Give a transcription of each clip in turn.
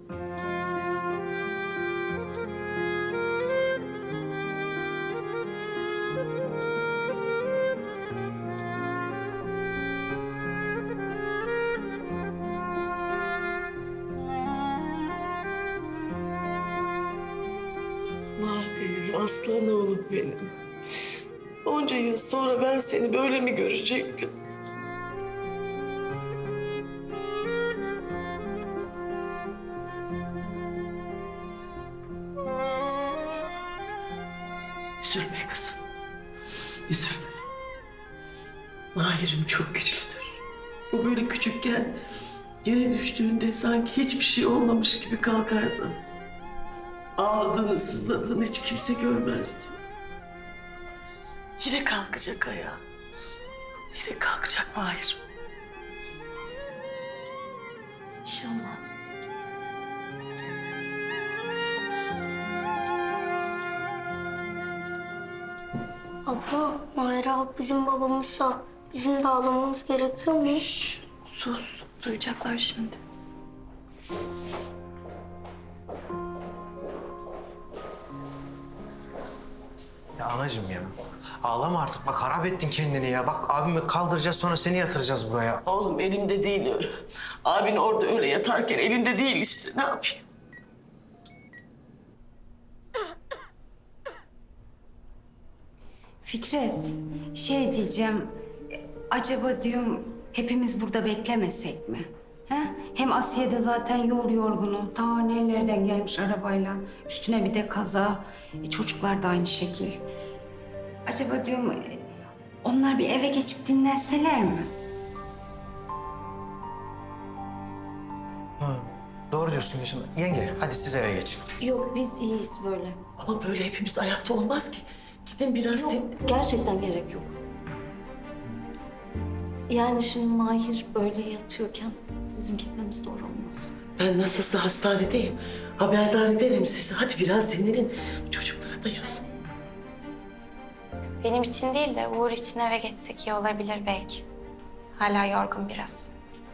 Mahir, aslan oğlum benim. Onca yıl sonra ben seni böyle mi görecektim? Üzülme kızım. Üzülme. Mahir'im çok güçlüdür. O böyle küçükken yere düştüğünde sanki hiçbir şey olmamış gibi kalkardı. Ağladığını, sızladığını hiç kimse görmezdi. Yine kalkacak ayağa. Yine kalkacak Mahir. İnşallah. Abla, Mahir abi bizim babamızsa bizim de ağlamamız gerekiyor mu? Sus. Duyacaklar şimdi. Ya anacığım ya. Ağlama artık. Bak harap ettin kendini ya. Bak abimi kaldıracağız sonra seni yatıracağız buraya. Oğlum elimde değil öyle. Abin orada öyle yatarken elimde değil işte. Ne yapayım? Fikret, şey diyeceğim, acaba diyorum hepimiz burada beklemesek mi? He? Hem Asiye de zaten yol yorgunu, ta nerelerden gelmiş arabayla, üstüne bir de kaza, çocuklar da aynı şekil. Acaba diyorum, onlar bir eve geçip dinlenseler mi? Doğru diyorsun Gülsüm. Yenge hadi siz eve geçin. Yok, biz iyiyiz böyle. Ama böyle hepimiz ayakta olmaz ki. Gidin biraz Yok, gerçekten gerek yok. Yani şimdi Mahir böyle yatıyorken bizim gitmemiz doğru olmaz. Ben nasılsa hastanedeyim. Haberdar ederim sizi. Hadi biraz dinlenin. Çocuklara da yazın. Benim için değil de Uğur için eve geçsek iyi olabilir belki. Hala yorgun biraz.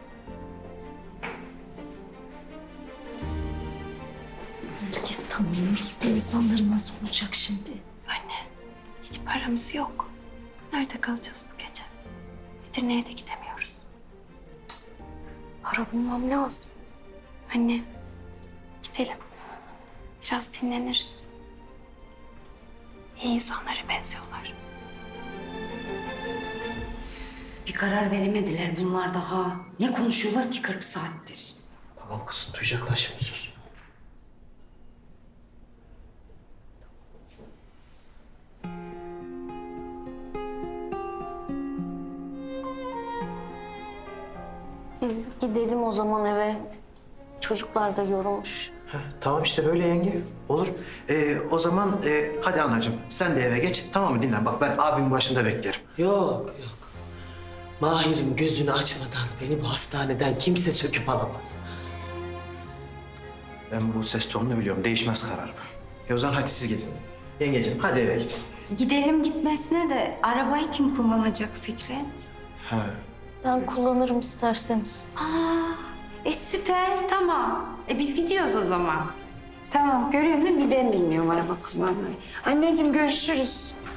Herkes tanıyoruz. Bu insanları nasıl olacak şimdi? Anne, hiç paramız yok. Nerede kalacağız bu gece? Edirne'ye de gidemiyoruz. Para bulmam lazım. Anne, gidelim. Biraz dinleniriz. İyi insanlara benziyorlar. Bir karar veremediler bunlar daha. Ne konuşuyorlar ki 40 saattir? Tamam kızım duyacaklar şimdi sus. Biz gidelim o zaman eve. Çocuklar da yorulmuş. Heh, tamam işte böyle yenge. Olur. O zaman hadi anacığım sen de eve geç. Tamam mı dinlen. Bak ben abimin başında beklerim. Yok, yok. Mahir'im gözünü açmadan beni bu hastaneden kimse söküp alamaz. Ben bu ses tonunu biliyorum. Değişmez kararım. O zaman hadi siz gidin. Yengeciğim hadi eve gidin. Gidelim gitmesine de arabayı kim kullanacak Fikret? Ha. Ben kullanırım isterseniz. Süper, tamam. Biz gidiyoruz o zaman. Tamam, görüyorsun değil mi? Ben bilmiyorum araba kullanmayı. Anneciğim görüşürüz.